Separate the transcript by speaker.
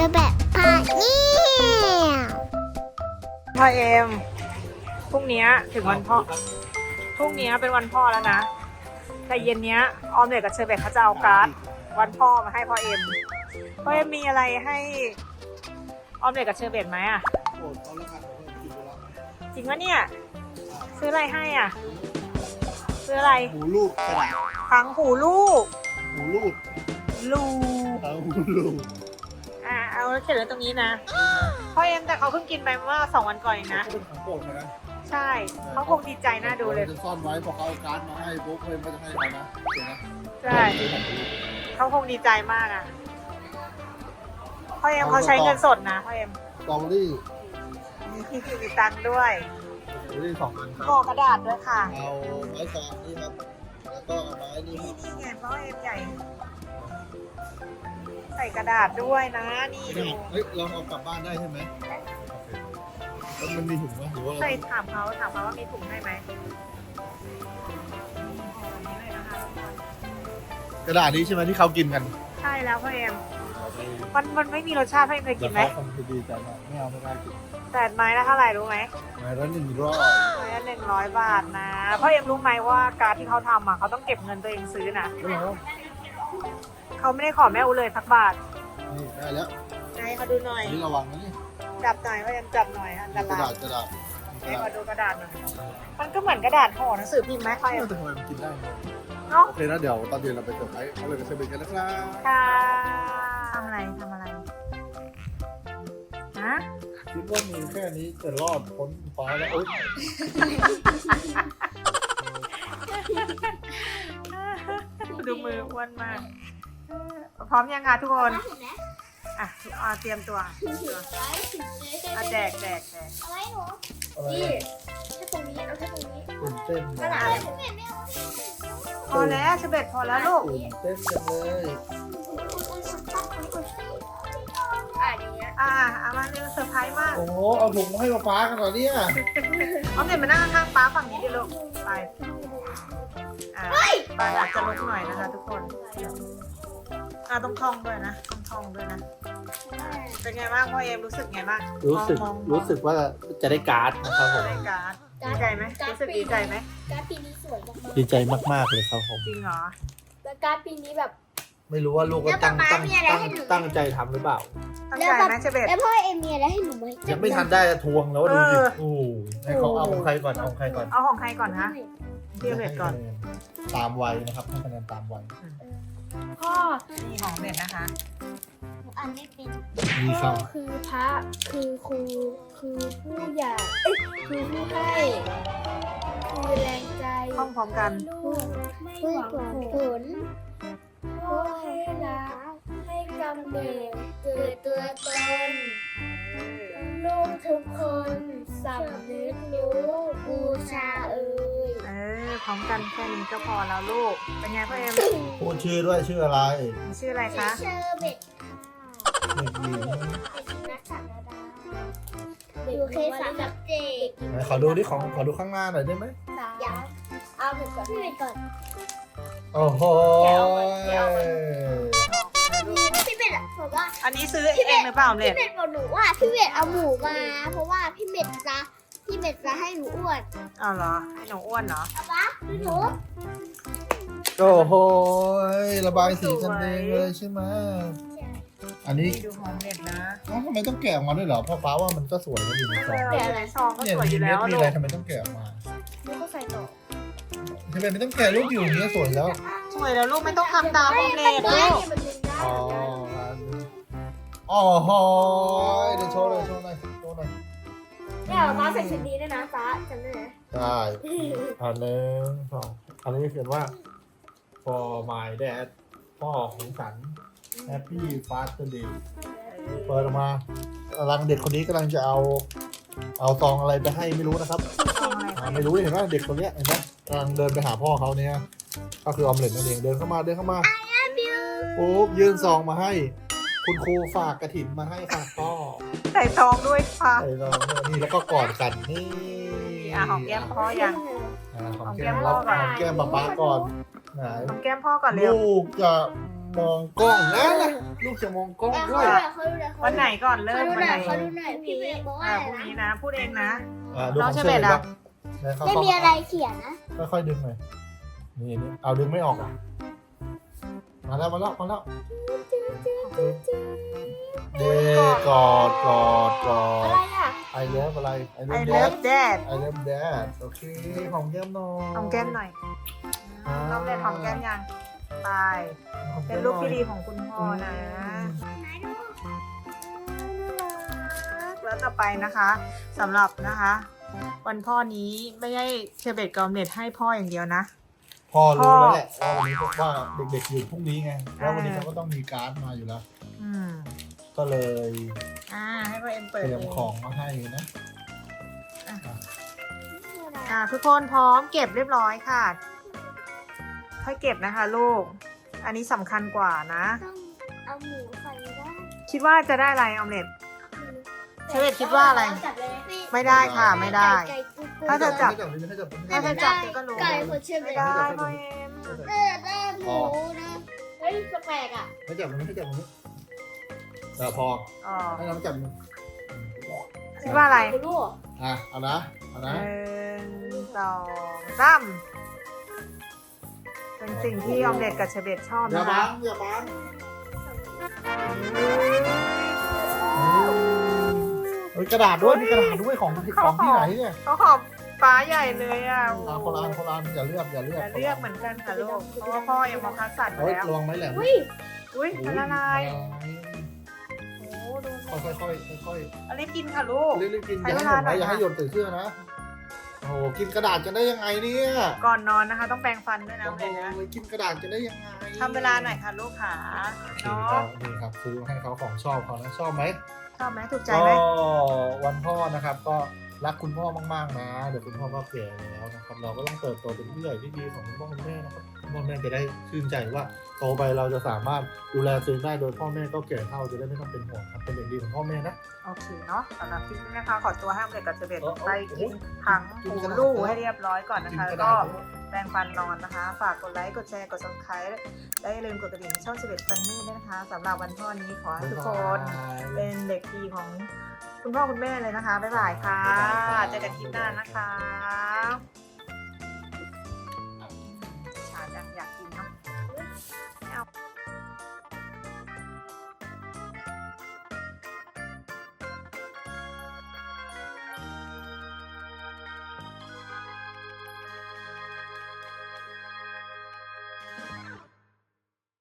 Speaker 1: อแบบพาเนี่ย
Speaker 2: พ่อเอ็มพรุ่งนี้ถึงวันพ่อพรุ่งนี้เป็นวันพ่อแล้วนะแต่เย็นเนี้ยออมเล็ตกับเชอร์เบตเขาจะเอาการ์ดวันพ่อมาให้พ่อเอ็มมีอะไรให้ออมเล็ตกับเชอร์เบตไหมอ่ะจริงวะเนี่ยซื้ออะไรให้อ่ะซื้ออะไร
Speaker 3: หูลูกกระดาษ
Speaker 2: ทั้งหูลูก
Speaker 3: หูลูก
Speaker 2: ลู
Speaker 3: หูลูก
Speaker 2: เอาเขียนไว้ตรงนี้นะพ่อเอ็มแต่เขาเพิ่งกินไปเมื่อ2 วันก่อนเองนะ
Speaker 3: เป็นของโปรดนะ
Speaker 2: ใช่เขาคงดีใจน่าดูเลย
Speaker 3: จะซ่อนไว้พอเขาเอาการ์ดมาให้ปุ๊บเพื่อนก็จะให้เขานะเดี๋ยวนะ
Speaker 2: ใช่เขาคงดีใจมากอ่ะพ่อเอ็มเขาใช้เงินสดนะพ่อเอ็ม
Speaker 3: สตรอเบอรี่
Speaker 2: มีตังค์ด้วย
Speaker 3: สตรอเบอรี่2 อันครับ
Speaker 2: ห่อกระดาษด้วยค่ะ
Speaker 3: เอาไม้ฟางนี่ครับแล้วก็เอาไม้นี่ครับ
Speaker 2: นี่ไงพ่อเอ็มใหญ่ ใส่กระดาษด้วยนะนี่ดู
Speaker 3: เฮ้ยเราเอากลับบ้านได้ใช่ไหมโอเคแล้วมันมีถุงไหมหรือว่า
Speaker 2: ใส่ถามเขาว่ามีถุงให้ไหม
Speaker 3: กระดาษนี้ใช่ไหมที่เขากินกัน
Speaker 2: ใช่แล้วพ่อเอ็มมันไม่มีรสชาติพ่อเอ็มเคยกินไหม
Speaker 3: คงจะดีใจมากไม่เอาไม่ได้กิน
Speaker 2: แต่ไม้ละเท่าไหร่รู้ไหม
Speaker 3: ไม้ละ100
Speaker 2: ไม้ละ100 บาทนะพ่อเอ็มรู้ไหมว่าการดที่เขาทำอ่ะเขาต้องเก็บเงินตัวเองซื้อนะ
Speaker 3: ก็แล้ว
Speaker 2: เขาไม่ได้ขอแม่อูเลยสักบาท
Speaker 3: นี่ได้แล้ว
Speaker 2: ไหนเขาดูหน่อย
Speaker 3: นี่ระวังนะนี่
Speaker 2: จับหน่อยพ่อเอ็มจับหน่อยอันต
Speaker 3: กระ
Speaker 2: รา
Speaker 3: ดาย ษกระดาษ
Speaker 2: ให้ขอดูกระดาษหน่อยมันก็เหมือนกระดาษห่อหนังสือพิมพ์ไหมพ่อเอ็ม
Speaker 3: แต่ทำไมมันกินได้เนอะ
Speaker 2: เนาะ
Speaker 3: โอเคนะเดี๋ยวตอนเย็นเราไปเสิร์ฟไว้เขาเลยไปเสิร์ฟกันนะครับ
Speaker 2: ค่ะทำอะไรฮะ
Speaker 3: คิดว่ามีแค่นี้จะรอดพ้นฟ้าแล้วเอ้ย
Speaker 2: ดูมืออ้วนมากพร้อมยังคะทุกคนอ่ะเตรียมตัวแจก
Speaker 1: เอาไว้หนู
Speaker 3: อะไร
Speaker 1: นี่
Speaker 3: อะ
Speaker 1: แค่ตรงนี้เอาแค่ตรงนี้
Speaker 3: ตื่นเต้น
Speaker 1: กระดาษอะไรพี่เมย์ไม่เอา
Speaker 2: พอแล้วเชเบตพอแล้วลูก
Speaker 3: ตื่นเต้นจังเลย
Speaker 1: อย่างเงี้ย
Speaker 2: เอามาเร็วเซอร์ไพรส์มาก
Speaker 3: โอ้โหเอาถุงมาให้ป๊ากันเหรอเนี่ย
Speaker 2: เอาเด็กมานั่งข้างๆป้าฝั่งนี้ดิลูกไปไปอาจจะลุกหน่อยนะคะทุกคนต้องท่องด้วยนะเป็นไงบ้างพ่อเอ็มรู้สึกไงบ้าง
Speaker 3: รู้สึกว่าจะได้การ์ดนะครับผม
Speaker 2: ได้การ์ดดีใจไหมรู้สึกดีใจไหม
Speaker 1: การ์ดปีนี้สวยมาก
Speaker 3: ดีใจมากๆเลยครับผม
Speaker 2: จริงเหรอ
Speaker 1: ๆแล้วการ์ดปีนี้แบบ
Speaker 3: ไม่รู้ว่าลูกก็ตั้งใจทำหรือเปล่า
Speaker 2: ตั้งใจไหมเชเบต
Speaker 1: แล้วพ่อเอ็มมีอะไรให้หนูไหม
Speaker 3: ยังไม่ทันได้จะทวงแล้วดูดิโอ้ให้เขาเอาของใครก่อนเอาของใครก่อน
Speaker 2: เอาของใครก่อนคะพี่เบตก่อน
Speaker 3: ตามวัยนะครับให้คะแนนตามวัย
Speaker 1: พ่อ
Speaker 2: นี่ของเบตนะคะ
Speaker 1: อ่านไม่เป็น
Speaker 3: มี
Speaker 1: พ่อ
Speaker 3: คำ
Speaker 1: คือพระคือครูคือผู้ใหญ่คือผู้ให้คือแรงใจ
Speaker 2: ท่องพร้อมกัน
Speaker 1: ลูกไม่หวังผลพ่อให้รักให้กำเนิดเกิดตัวตนลูกทุกคนสำนึกรู้บูชาเอ่ย
Speaker 2: พร้อมกันแค่นี้ก็พอแล้วลูกเป็นไงพ่อเอ็ม
Speaker 3: พูดชื่อด้วยชื่ออะไร
Speaker 2: มีชื่ออะไรคะ
Speaker 1: เชอร์เบ็ด
Speaker 3: เด็กหญิง
Speaker 1: นักสัตว์อยู่เคสามเจ็ด
Speaker 3: ไหนขอดูที่ของขอดูข้างหน้าหน่อยได้ไหม
Speaker 1: อย่าเอาเบ็ดก่อนพี่เบ็ดก่อน
Speaker 3: โอ้โห
Speaker 1: พี่เบ็ดอะบอกว่า
Speaker 2: อันนี้ซื้อเองหรือเปล่าเนี่
Speaker 1: พี่
Speaker 2: ย
Speaker 1: เบ็ดบอกหนูว่าพี่เบ็ดเอาหมูมา เพราะว่าพี่เบ็ดจะให้หนูอ้วน
Speaker 2: อ๋อเหรอให้หนูอ้วนเหรอ
Speaker 1: เอาปะหนู
Speaker 3: โอ้โหระบายสีกันเองเลยใช่ไหมอันนี้
Speaker 2: ดูของเด็ดนะ
Speaker 3: ทำไมต้องแกะออกมาด้วยเหรอเพราะฟ้าว่ามันก็สวยนะอยู่ในซอง
Speaker 2: แต่อะไรซองก็
Speaker 3: เนี่ย
Speaker 2: สวยอยู่
Speaker 3: มี
Speaker 2: แล้
Speaker 3: เม็ด
Speaker 2: ว
Speaker 3: มี
Speaker 2: ลู
Speaker 3: อะไร
Speaker 2: ก
Speaker 3: ทำไมต้องแกะออกมา
Speaker 1: หนูก็ใส่ต่อ
Speaker 3: ทำไมไม่ต้องแกะรูปอยู่อย่างนี้ยสวยแล้ว
Speaker 2: สวยแล้วลูกไม่ต้องทำตามของเด็ดลูก
Speaker 3: อ๋ออ๋อโหเดี๋ยวโชว์หน่อยโชว์หน่อย
Speaker 1: เนี่ยฟ้าใส่ชุดนี้ด้วยนะฟ้าจำได้ไหม
Speaker 3: ได้อันหนึ่งสองอันนี้เขียนว่า for my dad พ่อของฉัน Happy Father Day เปิดออกมากำลังเด็กคนนี้กำลังจะเอาซองอะไรไปให้ไม่รู้นะครับไม่รู้เห็นไหมเด็กคนเนี้ยเห็นไหมกำลังเดินไปหาพ่อเขาเนี่ยก็คือออมเล็ตนั่นเองเดินเข้ามาปุ๊บยื่นซองมาให้ คุณครูฝากกระถิ่นมาให้ค่ะพ่อ
Speaker 2: ใส่ซองด้วยค่ะ
Speaker 3: ใส่ซองนี่แล้วก็กอดกันนี่
Speaker 2: หอมแก้มพ่อยัง
Speaker 3: หอมแก้มเราหอมแก้มป๊าก่อนไหน
Speaker 2: หอมแก้มพ่อก่อนเร็ว
Speaker 3: ลูกจะมองกล้องนะลูกจะมองกล้องด้วย
Speaker 2: วันไหนก่อนเริ่มวันไหน
Speaker 1: เขาดูหน่อยพี่เมย์บอกว่า
Speaker 2: พรุ่งนี้นะพูดเองนะ
Speaker 3: ดู
Speaker 2: น้
Speaker 3: ข
Speaker 2: อ
Speaker 3: อง ง
Speaker 2: เช
Speaker 3: เช
Speaker 2: เบ
Speaker 3: เบ
Speaker 2: ต
Speaker 3: ต
Speaker 2: อะ
Speaker 1: ไม่มีอะไรเขียนนะ
Speaker 3: ค่อยๆดึงหน่อยนี่เอาดึงไม่ออกอ่ะมาแล้วเดกอด
Speaker 1: อะไรอ่ะ
Speaker 3: ไอเลิฟอะไรไอเลิ
Speaker 2: I
Speaker 3: ฟแด
Speaker 2: love
Speaker 3: ด
Speaker 2: dad
Speaker 3: ไอเลิฟแดดโอเคหอมแก้มหน่อย
Speaker 2: หอมแก้มหน่อยน้องเด็ดหอมแก้มยังไปเป็นลูกที่ดีของคุณพ่อนะแล้วต่อไปนะคะสำหรับนะคะ วันพ่อนี้ไม่ใช่เชอร์เบตกอมเน็ตให้พ่ออย่างเดียวนะ
Speaker 3: พ่อรู้แล้วแหละว่าวันนี้ว่าเด็กๆอยู่พรุ่งนี้ไงแล้ววันนี้เขาก็ต้องมีการ์ดมาอยู่แล้ว
Speaker 2: อืม
Speaker 3: ก็เลย
Speaker 2: ให้พ่อเอ็ม
Speaker 3: เต
Speaker 2: เปิด
Speaker 3: รียม
Speaker 2: เอง
Speaker 3: ของมาให้นะ
Speaker 2: ทุกคนพร้อมเก็บเรียบร้อยค่ะค่อยเก็บนะคะลูก อันนี้สำคัญกว่านะ
Speaker 1: ต้องเอาหมูใส่ได้
Speaker 2: คิดว่าจะได้อะไรออมเล็ต เชอร์เบตคิดว่าอะไร ไม่ได้ค่ะไม่ได้ ถ้าจะจับ ถ้าจะจับก็รู้
Speaker 1: ไก่คนเชื่อ
Speaker 2: ไม่
Speaker 1: ไม่
Speaker 2: ได้
Speaker 1: ได้
Speaker 2: พ่อเอ็ม
Speaker 1: ได้หมูนะเฮ้ยแปลกๆอ่ะ
Speaker 3: ไม่จับมันไม่จับมันพอ
Speaker 2: อ๋อ
Speaker 3: ให้น้องจับ
Speaker 2: คิดว่าอะไร
Speaker 1: ลูก
Speaker 3: เอานะ
Speaker 2: 1 2 3เป็นสิ่งที่ออมเล็ตกับเชอร์เบตชอบ
Speaker 3: อย่า
Speaker 2: นะ
Speaker 3: บั
Speaker 2: คะ
Speaker 3: งอย่าบังกระดาษด้วยมีกระดาษด้วยของที่ไหนเนี่ย
Speaker 2: เขาขอบฟ้าใหญ่เลยอ่ะ
Speaker 3: โคลานอย่าเลือก
Speaker 2: แต่เลือกเหมือนกันค่ะลูกเพราะว่าพ่อยังมองคัดสัตว์อยู่
Speaker 3: เฮ้ย
Speaker 2: แล้ว
Speaker 3: ระวังไม้แหลม
Speaker 2: อุ้ยมันละลายโอ้ดู
Speaker 3: ค่อย
Speaker 2: อันนี้กินค่ะลูก
Speaker 3: รีบกินอย่าให้หยดนะอย่าให้หยดตื่นเชื่อนะโอ้กินกระดาษจะได้ยังไงเนี่ย
Speaker 2: ก่อนนอนนะคะ ต้องแปรงฟันด้วยนะ
Speaker 3: โอ้
Speaker 2: เด็กนะ
Speaker 3: กินกระดาษจะได้ยังไง
Speaker 2: ทำเวลาหน่อยค่ะลูกขาเนาะ
Speaker 3: นี่ครับซื้อให้เขาของชอบเขานะชอบไหม
Speaker 2: ชอบไหมถูกใจ
Speaker 3: ก็
Speaker 2: ไหม
Speaker 3: วันพ่อนะครับก็รักคุณพ่อมากๆนะเดี๋ยวคุณพ่อก็แก่แล้วนะครับเราก็ต้องเติบโตเป็นผู้ใหญ่ที่ดีของคุณพ่อคุณแม่นะครับพ่อแม่จะได้ชื่นใจว่าโตไปเราจะสามารถดูแลตัวเองได้โดยพ่อแม่ก็แก่เฒ่าจะได้ไม่ต้องเป็นห่วงครับเป็นเด็กดีของพ่อแม่นะ
Speaker 2: โอเคเนาะสำหรับคลิปนี้นะคะขอตัวให้ออมเล็ตกับเชอร์เบตไปกิน
Speaker 3: โอ้
Speaker 2: ถัง
Speaker 3: กิน
Speaker 2: หู
Speaker 3: กระดาษ
Speaker 2: ลู่ให้เรียบร้อยก่อนนะคะ
Speaker 3: กิ
Speaker 2: แล้ว
Speaker 3: กระ
Speaker 2: ก็
Speaker 3: ดาษ
Speaker 2: แปรงฟันนอนนะคะ ฝากกดไลค์กดแชร์กด subscribe และอย่าลืมกดกระดิ่งช่องเชอร์เบตฟันนี่ด้วยนะคะสำหรับวันพ่อนี้ขอให้ทุกคนเป็นเด็กดีของคุณพ่อคุณแม่เลยนะคะบ๊ายบายค่ะเจอกันคลิปหน้านะคะ